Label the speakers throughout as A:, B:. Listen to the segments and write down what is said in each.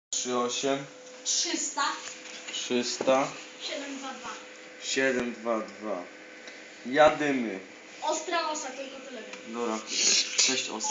A: 38
B: 300
A: 300
B: 722.
A: 722. Jadymy.
B: Ostra osa, tylko tyle wiem.
A: Dobra, 6 osa.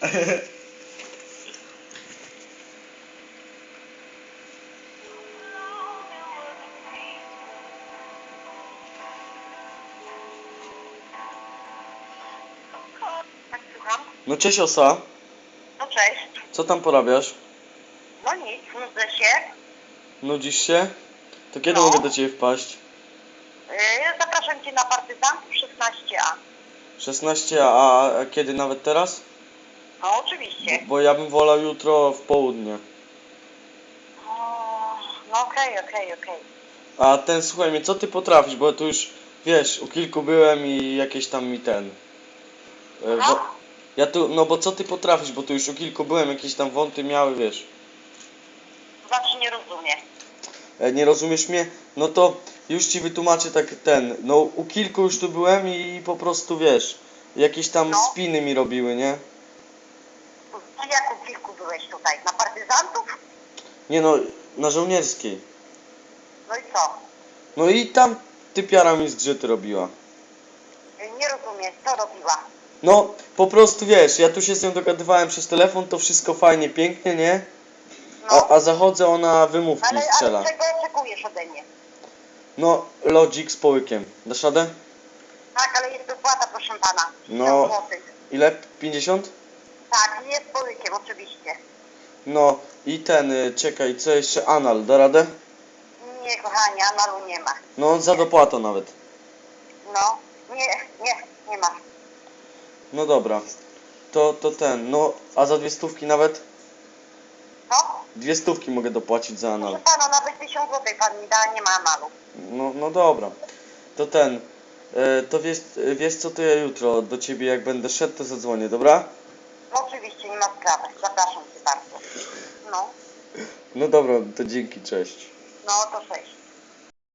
C: Tak, słucham.
A: No cześć osa,
C: No cześć.
A: co tam porabiasz?
C: No nic, nudzę się.
A: Nudzisz się? To kiedy
C: No.
A: mogę do ciebie wpaść?
C: Zapraszam Cię na partyzantów 16A.
A: 16, a kiedy nawet teraz?
C: No oczywiście.
A: Bo ja bym wolał jutro w południe.
C: No okej.
A: A ten, słuchaj mnie, co ty potrafisz? Bo tu już, wiesz, u kilku byłem i jakieś tam mi ten...
C: No.
A: Ja tu, no bo co ty potrafisz? Bo tu już u kilku byłem, jakieś tam wąty miały, wiesz.
C: Znaczy nie rozumiem.
A: Nie rozumiesz mnie? No to już ci wytłumaczę tak ten, no u kilku już tu byłem i po prostu wiesz, jakieś tam
C: No.
A: spiny mi robiły, nie?
C: No jak u kilku byłeś tutaj? Na partyzantów?
A: Nie no, na żołnierskiej.
C: No i co?
A: No i tam typiara mi zgrzyty robiła.
C: Nie rozumiem, co robiła?
A: No, po prostu wiesz, ja tu się z nią dogadywałem przez telefon, to wszystko fajnie, pięknie, nie?
C: No.
A: A zachodzę, ona wymówki strzela.
C: Ale czego oczekujesz ode mnie?
A: No, lodzik z połykiem. Dasz radę?
C: Tak, ale jest dopłata, proszę pana. 50
A: No.
C: złotych.
A: Ile? 50?
C: Tak, jest połykiem, oczywiście.
A: No i ten, czekaj, co jeszcze? Anal, da radę?
C: Nie, kochanie, analu nie ma.
A: No, za dopłatą nawet.
C: No, nie ma.
A: No dobra. To ten, no, a za 200 nawet?
C: No?
A: 200 mogę dopłacić za anal.
C: Proszę pana, nawet 1000 złotych pan mi da, nie ma analu.
A: No dobra. To ten, to wiesz co, to ja jutro do ciebie jak będę szedł, to zadzwonię, dobra?
C: No oczywiście, nie ma sprawy. Zapraszam cię bardzo. No,
A: No dobra, to dzięki, cześć.
C: no to cześć.